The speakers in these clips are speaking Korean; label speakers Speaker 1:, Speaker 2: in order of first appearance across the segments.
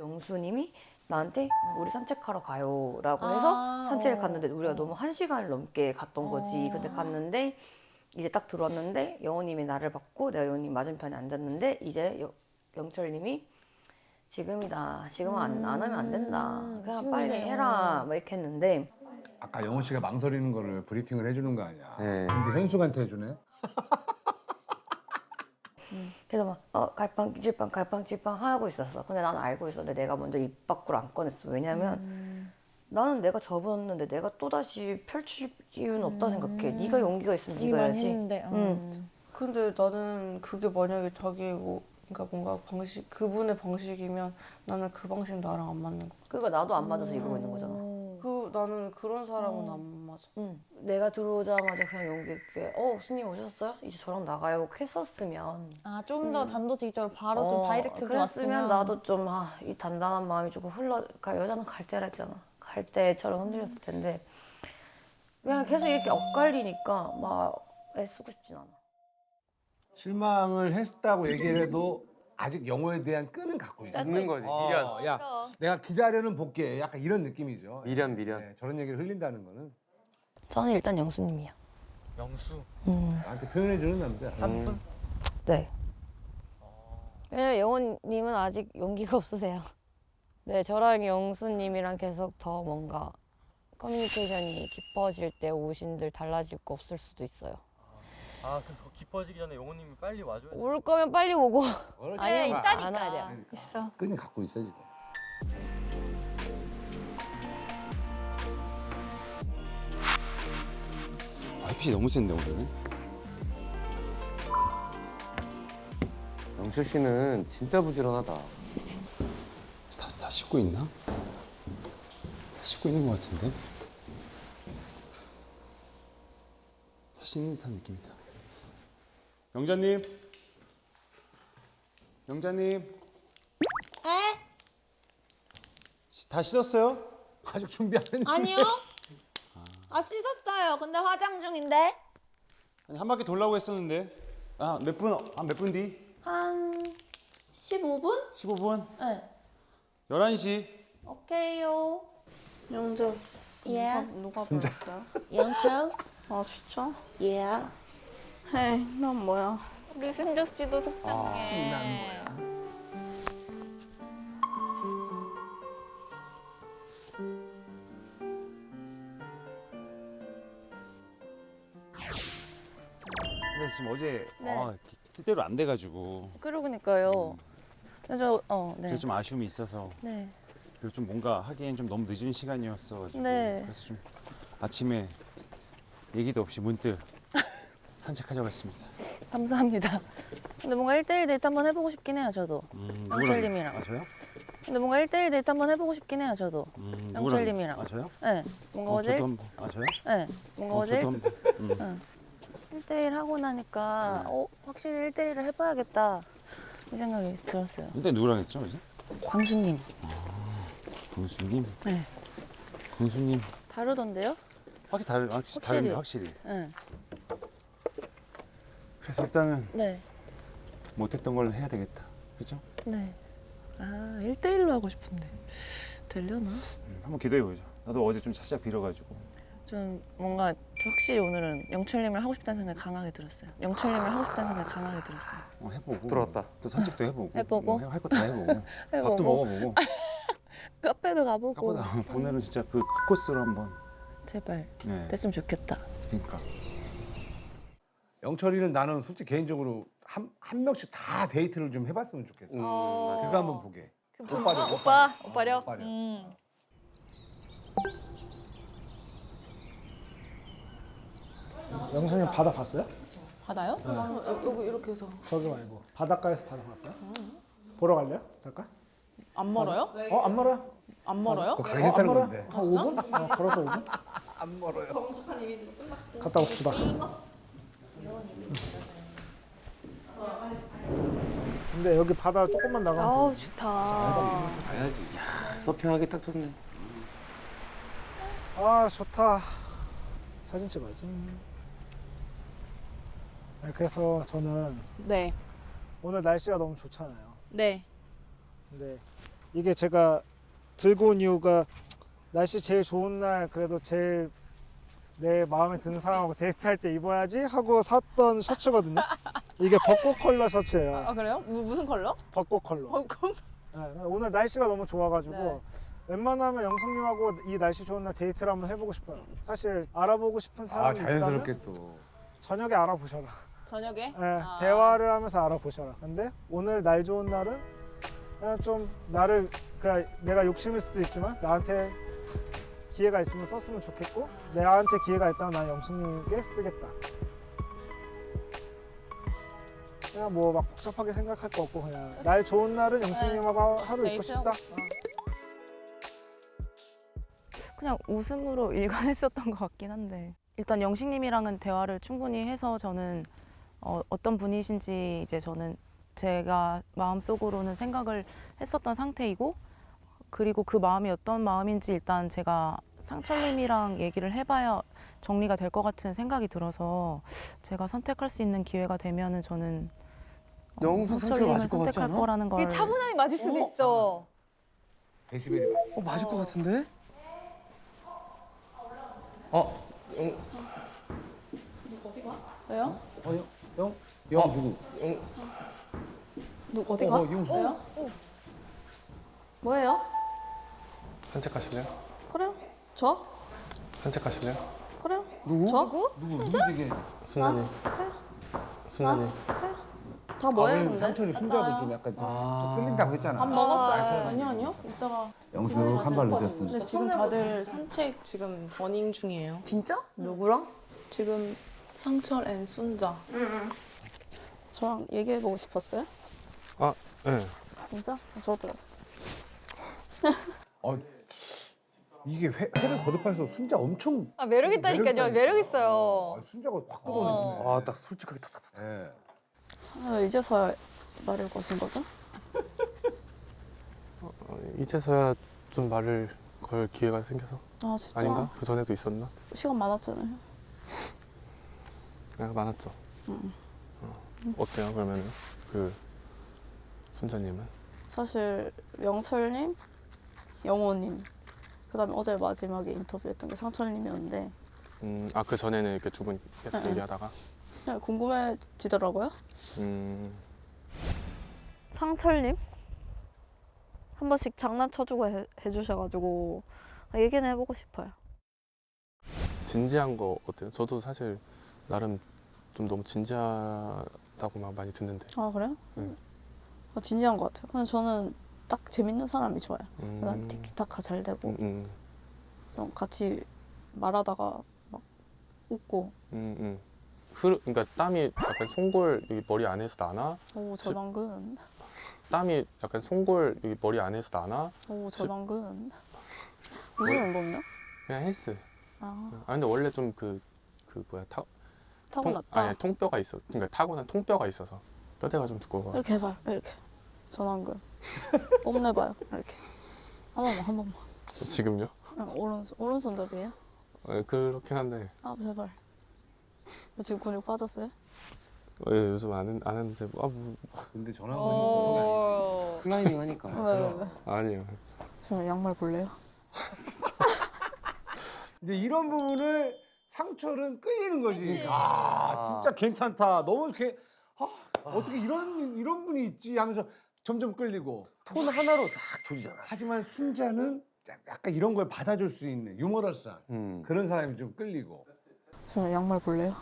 Speaker 1: 영수님이 나한테 우리 산책하러 가요라고 해서 산책을 갔는데 우리가 너무 1시간을 넘게 갔던 거지. 근데 갔는데 이제 딱 들어왔는데 영호님이 나를 받고 내가 영호님 맞은편에 앉았는데 이제 영철님이 지금이다. 지금은 안 하면 안 된다. 그냥 빨리 해라. 막 이렇게 했는데
Speaker 2: 아까 영호 씨가 망설이는 거를 브리핑을 해주는 거 아니야.
Speaker 3: 네.
Speaker 2: 근데 현숙한테 해주네.
Speaker 1: 그래서 막 갈팡질팡 하고 있었어. 근데 난 알고 있었는데 내가 먼저 입 밖으로 안 꺼냈어. 왜냐면 나는 내가 접었는데 내가 또다시 펼칠 이유는 없다 생각해. 네가 용기가 있으면 네가 해야지.
Speaker 4: 했는데,
Speaker 5: 근데 나는 그게 만약에 자기 그러니까 뭔가 방식 그분의 방식이면 나는 그 방식 나랑 안 맞는 거.
Speaker 1: 그러니까 나도 안 맞아서 이러고 있는 거잖아.
Speaker 5: 나는 그런 사람은 안 맞아.
Speaker 1: 내가 들어오자마자 그냥 용기 있게 스님 오셨어요? 이제 저랑 나가요 했었으면
Speaker 4: 아, 좀 더 단도직입적으로 바로 좀 다이렉트로
Speaker 1: 그랬으면
Speaker 4: 왔으면
Speaker 1: 나도 좀 이 단단한 마음이 조금 그러니까 여자는 갈대라 했잖아. 갈대처럼 흔들렸을 텐데 그냥 계속 이렇게 엇갈리니까 막 애쓰고 싶진 않아.
Speaker 2: 실망을 했다고 얘기를 해도 아직 영호에 대한 끈은 갖고 있어.
Speaker 3: 있는 거지. 미련.
Speaker 2: 야, 내가 기다려는 볼게. 약간 이런 느낌이죠.
Speaker 3: 미련.
Speaker 2: 네, 저런 얘기를 흘린다는 거는
Speaker 1: 저는 일단 영수님이야.
Speaker 3: 영수.
Speaker 2: 나한테 표현해주는 남자.
Speaker 1: 네. 왜냐면 영호님은 아직 용기가 없으세요. 네, 저랑 영수님이랑 계속 더 뭔가 커뮤니케이션이 깊어질 때 오신들 달라질 거 없을 수도 있어요.
Speaker 6: 아 그럼 더 깊어지기 전에 영호님이 빨리 와줘야 돼.
Speaker 1: 올 거면 빨리 오고
Speaker 2: 그렇지.
Speaker 1: 아니면
Speaker 4: 있다니까.
Speaker 1: 안 와야 돼.
Speaker 4: 있어.
Speaker 2: 끈이 갖고 있어 지금.
Speaker 7: 햇빛이 너무 센데 오늘은.
Speaker 3: 영철 씨는 진짜 부지런하다.
Speaker 7: 다 씻고 있나? 다 씻고 있는 것 같은데. 다 씻는 듯한 느낌이다. 영자님, 영자님.
Speaker 8: 에?
Speaker 7: 다 씻었어요?
Speaker 2: 아직 준비 안 했는데.
Speaker 8: 아니요. 아 씻었어요. 근데 화장 중인데.
Speaker 7: 아니 한 바퀴 돌라고 했었는데. 아 몇 분? 몇 분 뒤?
Speaker 8: 한 15분?
Speaker 7: 15분?
Speaker 8: 네.
Speaker 7: 11시.
Speaker 8: 오케이요.
Speaker 5: 영자스.
Speaker 8: Yes.
Speaker 5: 누가 불렀어요?
Speaker 8: 영철스.
Speaker 5: 아 진짜?
Speaker 8: Yeah.
Speaker 5: 에이 난 뭐야?
Speaker 4: 우리 승조 씨도 속상해.
Speaker 7: 근데 지금 어제
Speaker 4: 네.
Speaker 7: 뜻대로 안 돼가지고
Speaker 4: 그러니까요. 그래서 네.
Speaker 7: 그래서 좀 아쉬움이 있어서
Speaker 4: 네.
Speaker 7: 그리고 좀 뭔가 하기엔 좀 너무 늦은 시간이었어가지고
Speaker 4: 네.
Speaker 7: 그래서 좀 아침에 얘기도 없이 문득 산책하자고 했습니다.
Speaker 4: 감사합니다. 근데 뭔가 1대1 데이트 한번 해보고 싶긴 해요, 저도. 영철님이랑.
Speaker 7: 아 저요?
Speaker 4: 근데 뭔가 1대1 데이트 한번 해보고 싶긴 해요, 저도.
Speaker 7: 누구랑?
Speaker 4: 영철님이랑.
Speaker 7: 아 저요?
Speaker 4: 네. 뭔가 어제
Speaker 7: 저도 한번. 아 저요?
Speaker 4: 네. 뭔가 어제
Speaker 7: 저도 한번.
Speaker 4: 1대1 하고 나니까 확실히 1대1을 해봐야겠다 이 생각이 들었어요.
Speaker 7: 근데 누구랑 했죠 어제?
Speaker 4: 광수님.
Speaker 7: 광수님?
Speaker 4: 네.
Speaker 7: 광수님
Speaker 4: 다르던데요?
Speaker 7: 확실히 다른데 확실히.
Speaker 4: 네.
Speaker 7: 그래서 일단은
Speaker 4: 네.
Speaker 7: 못했던 걸 해야 되겠다. 그죠?
Speaker 4: 네. 아, 1대1로 하고 싶은데 되려나?
Speaker 7: 한번 기도해 보죠. 나도 어제 좀 살짝 빌어가지고.
Speaker 4: 좀 뭔가 확실히 오늘은 영철님을 하고 싶다는 생각이 강하게 들었어요. 영철님을 하고 싶다는 생각이 강하게 들었어요.
Speaker 7: 해보고.
Speaker 3: 들어왔다.
Speaker 7: 또 산책도 해보고.
Speaker 4: 해보고.
Speaker 7: 할 거 다 해보고.
Speaker 4: 해보고.
Speaker 7: 밥도 먹어보고.
Speaker 4: 카페도 가보고.
Speaker 7: 오늘은 진짜 그 코스로 한번.
Speaker 4: 제발
Speaker 7: 네.
Speaker 4: 됐으면 좋겠다.
Speaker 7: 그러니까.
Speaker 2: 영철이는 나는 솔직히 개인적으로 한 명씩 다 데이트를 좀 해봤으면 좋겠어. 그거 한번 보게. 오빠려. 오빠려.
Speaker 9: 영수님 바다 봤어요?
Speaker 5: 바다요? 여기 이렇게 해서
Speaker 9: 저기 말고 바닷가에서 바다 봤어요? 보러 갈래요? 잠깐?
Speaker 5: 안 멀어요?
Speaker 9: 안 멀어요?
Speaker 5: 안 멀어요?
Speaker 2: 그거 가기 싫다는
Speaker 9: 멀어요?
Speaker 2: 건데.
Speaker 9: 한 5분? 걸어서 5분?
Speaker 2: 안 멀어요.
Speaker 9: 갔다 옵시다. 근데 여기 바다 조금만 나가면
Speaker 4: 아우 좋다.
Speaker 3: 가야지. 야, 서핑하기 딱 좋네.
Speaker 9: 아 좋다. 사진 찍어야지. 네, 그래서 저는
Speaker 5: 네.
Speaker 9: 오늘 날씨가 너무 좋잖아요.
Speaker 5: 네.
Speaker 9: 근데 이게 제가 들고 온 이유가 날씨 제일 좋은 날 그래도 제일 내 마음에 드는 사람하고 데이트할 때 입어야지 하고 샀던 셔츠거든요. 이게 벚꽃 컬러 셔츠예요.
Speaker 5: 아 그래요? 무슨 컬러?
Speaker 9: 벚꽃 컬러.
Speaker 5: 벚꽃?
Speaker 9: 네, 오늘 날씨가 너무 좋아가지고
Speaker 5: 네.
Speaker 9: 웬만하면 영숙님하고 이 날씨 좋은 날 데이트를 한번 해보고 싶어요. 사실 알아보고 싶은
Speaker 2: 아
Speaker 9: 사람이
Speaker 2: 자연스럽게
Speaker 9: 있다면
Speaker 2: 또.
Speaker 9: 저녁에 알아보셔라.
Speaker 5: 저녁에?
Speaker 9: 네, 대화를 하면서 알아보셔라. 근데 오늘 날 좋은 날은 그냥 좀 나를 그냥 내가 욕심일 수도 있지만 나한테 기회가 있으면 썼으면 좋겠고 나한테 기회가 있다면 난 영숙님께 쓰겠다. 그냥 뭐 막 복잡하게 생각할 거 없고 그냥 날 좋은 날은 영숙님하고 하루 있고 싶다.
Speaker 10: 그냥 웃음으로 일관했었던 것 같긴 한데 일단 영식님이랑은 대화를 충분히 해서 저는 어떤 분이신지 이제 저는 제가 마음속으로는 생각을 했었던 상태이고 그리고 그 마음이 어떤 마음인지 일단 제가 상철님이랑 얘기를 해봐야 정리가 될 것 같은 생각이 들어서 제가 선택할 수 있는 기회가 되면은 저는
Speaker 3: 영숙 상철
Speaker 10: 상철님을
Speaker 3: 맞을 것 같지
Speaker 10: 선택할
Speaker 3: 않아?
Speaker 10: 거라는 걸
Speaker 11: 이게 차분함이 맞을 수도 있어.
Speaker 2: 데시벨이 맞지.
Speaker 3: 맞을 것 같은데?
Speaker 5: 왜요?
Speaker 2: 영 누구?
Speaker 5: 누구 어디 가?
Speaker 2: 이용수.
Speaker 5: 왜요? 뭐예요?
Speaker 3: 산책하실래요?
Speaker 5: 그래요? 저?
Speaker 3: 산책하실래요?
Speaker 5: 그래요?
Speaker 3: 누구?
Speaker 5: 저?
Speaker 2: 누구 되게.
Speaker 3: 순자님.
Speaker 5: 그래.
Speaker 3: 순자님.
Speaker 5: 그래. 다 뭐예요
Speaker 2: 왜냐면
Speaker 5: 근데?
Speaker 2: 상철이 순자도 좀 약간 좀 끌린다고 했잖아.
Speaker 5: 밥 먹었어요. 아니요. 이따가.
Speaker 2: 영수 한 발 늦었어.
Speaker 5: 근데 지금 다들 산책 지금 러닝 중이에요.
Speaker 1: 진짜? 누구랑?
Speaker 5: 지금 상철 앤 순자. 저랑 얘기해보고 싶었어요?
Speaker 3: 아, 네.
Speaker 5: 진짜? 저도.
Speaker 2: 이게 회를 거듭할수록 순자 엄청.
Speaker 11: 아, 매력 있다니까요. 매력 있어요.
Speaker 2: 순자가 확 뜯어내네.
Speaker 3: 아, 딱 솔직하게 탁탁탁.
Speaker 2: 네.
Speaker 5: 이제서야 말을 거신 거죠?
Speaker 3: 이제서야 좀 말을 걸 기회가 생겨서
Speaker 5: 아 진짜?
Speaker 3: 아닌가? 그 전에도 있었나?
Speaker 5: 시간 많았잖아요.
Speaker 3: 많았죠. 어때요 그러면 그 순자님은?
Speaker 5: 사실 영철님, 영호님, 그다음에 어제 마지막에 인터뷰했던 게 상철님이었는데
Speaker 3: 그 전에는 이렇게 두 분 계속
Speaker 5: 네.
Speaker 3: 얘기하다가
Speaker 5: 그냥 궁금해지더라고요.
Speaker 10: 상철님 한 번씩 장난쳐주고 해주셔가지고 얘기는 해보고 싶어요.
Speaker 3: 진지한 거 어때요? 저도 사실 나름 좀 너무 진지하다고 막 많이 듣는데.
Speaker 5: 아 그래요?
Speaker 3: 네.
Speaker 5: 진지한 것 같아요. 근데 저는 딱 재밌는 사람이 좋아요. 그냥 티키타카 잘 되고 좀 같이 말하다가 막 웃고.
Speaker 3: 그러니까 땀이 약간 송골 여기 머리 안에서 나나?
Speaker 5: 오 전완근.
Speaker 3: 땀이 약간 송골 여기 머리 안에서 나나?
Speaker 5: 오 전완근. 무슨 운동이요?
Speaker 3: 그냥 헬스.
Speaker 5: 아
Speaker 3: 근데 원래 좀 뭐야
Speaker 5: 타고났다.
Speaker 3: 아니 통뼈가 있어. 그러니까 타고난 통뼈가 있어서 뼈대가 좀 두꺼워.
Speaker 5: 이렇게 해봐요. 이렇게 전완근. 뽐내봐요. 이렇게 한 번만.
Speaker 3: 지금요?
Speaker 5: 오른손잡이에요?
Speaker 3: 그렇긴 한데.
Speaker 5: 아 제발. 지금 근육 빠졌어요?
Speaker 3: 요즘 안 했는데
Speaker 2: 근데 전화가 보통
Speaker 3: 클라이밍 하니까.
Speaker 5: 왜?
Speaker 3: 아니요.
Speaker 5: 저 양말 볼래요?
Speaker 2: 이제 이런 부분을 상철은 끌리는 거지.
Speaker 11: 그치.
Speaker 2: 진짜 괜찮다. 너무 이렇게 어떻게 이런 분이 있지 하면서 점점 끌리고
Speaker 3: 톤 하나로 싹 조지잖아.
Speaker 2: 하지만 순자는 약간 이런 걸 받아줄 수 있는 유머러스한 그런 사람이 좀 끌리고.
Speaker 5: 저 양말 볼래요?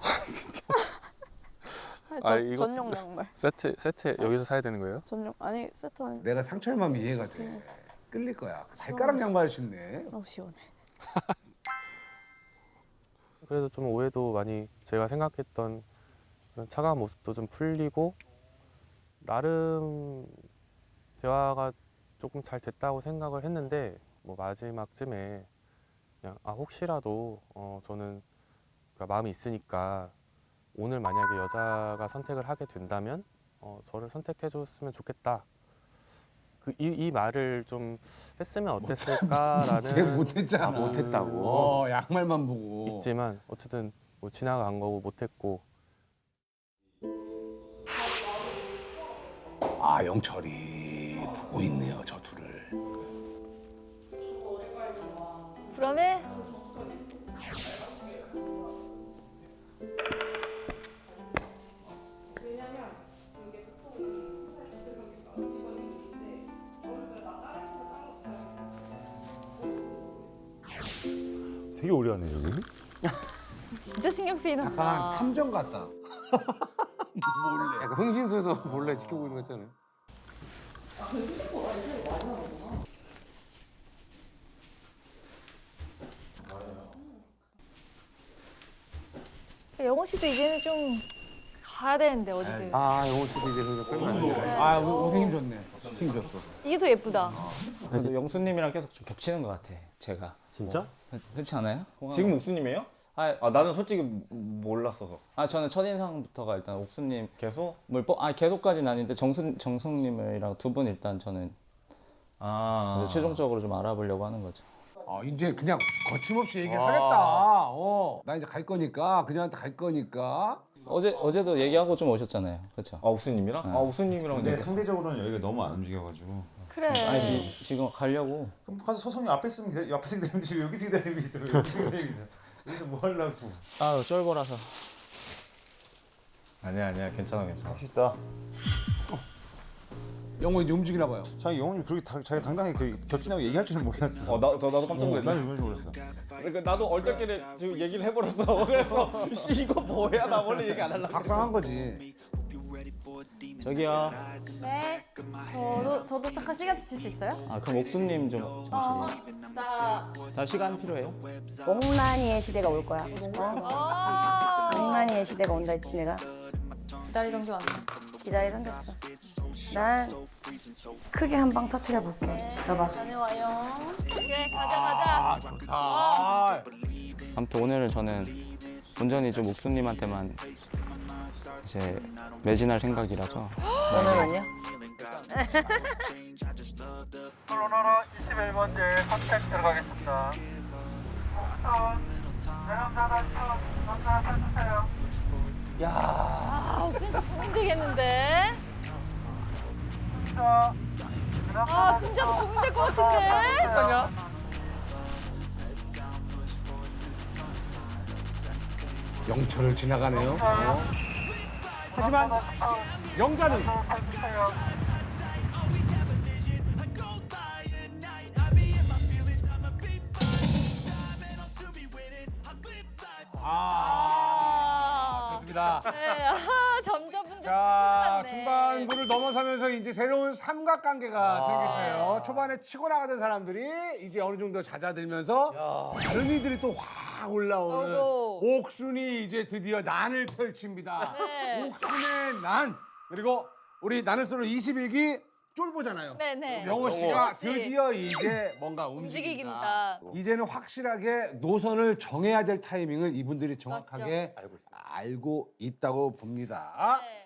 Speaker 3: 이거
Speaker 5: 전용 양말.
Speaker 3: 세트 여기서 사야 되는 거예요?
Speaker 5: 전용 아니 세트 아니.
Speaker 2: 내가 상철 마음이 이해가 돼. 끌릴 거야. 발가락 양말 신네.
Speaker 5: 시원해.
Speaker 3: 그래도 좀 오해도 많이 제가 생각했던 그런 차가운 모습도 좀 풀리고 나름 대화가 조금 잘 됐다고 생각을 했는데 뭐 마지막쯤에 그냥 혹시라도 저는 그러니까 마음이 있으니까 오늘 만약에 여자가 선택을 하게 된다면 저를 선택해 줬으면 좋겠다. 이 말을 좀 했으면 어땠을까라는
Speaker 2: 걔 못했잖아.
Speaker 3: 못했다고.
Speaker 2: 양말만 보고.
Speaker 3: 있지만 어쨌든 뭐 지나간 거고 못했고.
Speaker 2: 영철이 보고 있네요, 저 둘을.
Speaker 11: 불안해?
Speaker 7: 되게 오래 하네 여기.
Speaker 11: 진짜 신경 쓰이나
Speaker 2: 약간
Speaker 11: 보다.
Speaker 2: 탐정 같다. 몰래.
Speaker 12: 약간 흥신소에서 몰래 지켜보고 있는 거 있잖아요.
Speaker 11: 영호 씨도 이제는 좀 가야 되는데 어디든.
Speaker 12: 아 영호 씨도 이제 그거 끌면 안 돼.
Speaker 2: 아, 우승 힘 좋네. 힘 줬어.
Speaker 11: 이게 더 예쁘다.
Speaker 13: 그래도 영수님이랑 계속 좀 겹치는 것 같아. 제가.
Speaker 6: 진짜?
Speaker 13: 그렇지 않아요?
Speaker 6: 지금 옥수님이에요? 아 나는 솔직히 몰랐어서.
Speaker 13: 저는 첫 인상부터가 일단 옥수님
Speaker 6: 계속?
Speaker 13: 계속까지는 아닌데 정숙님이랑 두 분 일단 저는 이제 최종적으로 좀 알아보려고 하는 거죠.
Speaker 2: 이제 그냥 거침없이 얘기를
Speaker 6: 와.
Speaker 2: 하겠다. 나 이제 갈 거니까 그녀한테 갈 거니까.
Speaker 13: 어제도 얘기하고 좀 오셨잖아요. 그렇죠?
Speaker 6: 옥수님이랑?
Speaker 13: 네.
Speaker 6: 옥수님이랑.
Speaker 7: 근데 상대적으로는 여기가 너무 안 움직여가지고.
Speaker 11: 그래.
Speaker 13: 아니 지금 가려고.
Speaker 7: 그럼 가서 서성이 앞에 있으면 앞에서 기다리는데 지금 여기서 기다리고 있어. 여기서 기다리고 있어. 여기서 뭐 하려고.
Speaker 13: 쫄보라서.
Speaker 6: 아니야 괜찮아. 멋있다.
Speaker 2: 영호 이제 움직이나 봐요.
Speaker 7: 자기 영훈이 그렇게 자기 당당히 겹친다고 얘기할 줄은 몰랐어.
Speaker 6: 나도 깜짝 놀랐네.
Speaker 7: 난 이건 줄 몰랐어.
Speaker 6: 그러니까 나도 얼떨결에 지금 얘기를 해버렸어. 그래서 씨 이거 뭐야? 나 원래 얘기 안 하려고.
Speaker 2: 각성한 거지.
Speaker 13: 저기요.
Speaker 8: 네.
Speaker 11: 저도 잠깐 시간 주실 수 있어요?
Speaker 13: 그럼 옥수님 좀 잠시만요. 다 시간 필요해요?
Speaker 1: 옥란이의 시대가 올 거야. 옥란이의 시대가 온다 했지 내가.
Speaker 8: 기다리던 게 왔네.
Speaker 1: 기다리던 게 없어. 난 크게 한 방 터트려 볼게. 봐봐.
Speaker 11: 다녀와요. 그래 가자.
Speaker 2: 좋다.
Speaker 13: 아무튼 오늘은 저는 온전히 좀 옥수님한테만 이제 매진할 생각이라서.
Speaker 1: 오늘은요?
Speaker 6: 코로나로 21번째 선택 들어가겠습니다.
Speaker 11: 옥순 씨 고민 되겠는데. 순자도 고민될 것 같은데.
Speaker 2: 영철을 지나가네요. 하지만 영자는 좋습니다.
Speaker 11: 네, 점자분들
Speaker 2: 자, 중반부를 넘어서면서 이제 새로운 삼각관계가 생겼어요. 초반에 치고 나가던 사람들이 이제 어느 정도 잦아들면서 순위들이 또 확 올라오는 옥순이 이제 드디어 난을 펼칩니다.
Speaker 11: 네.
Speaker 2: 옥순의 난. 그리고 우리 나는 솔로 21기 쫄보잖아요.
Speaker 11: 네네.
Speaker 2: 영호 씨가
Speaker 11: 영호 씨.
Speaker 2: 드디어 이제 뭔가 움직인다. 이제는 확실하게 노선을 정해야 될 타이밍을 이분들이 정확하게 알고 있다고 봅니다.
Speaker 11: 네.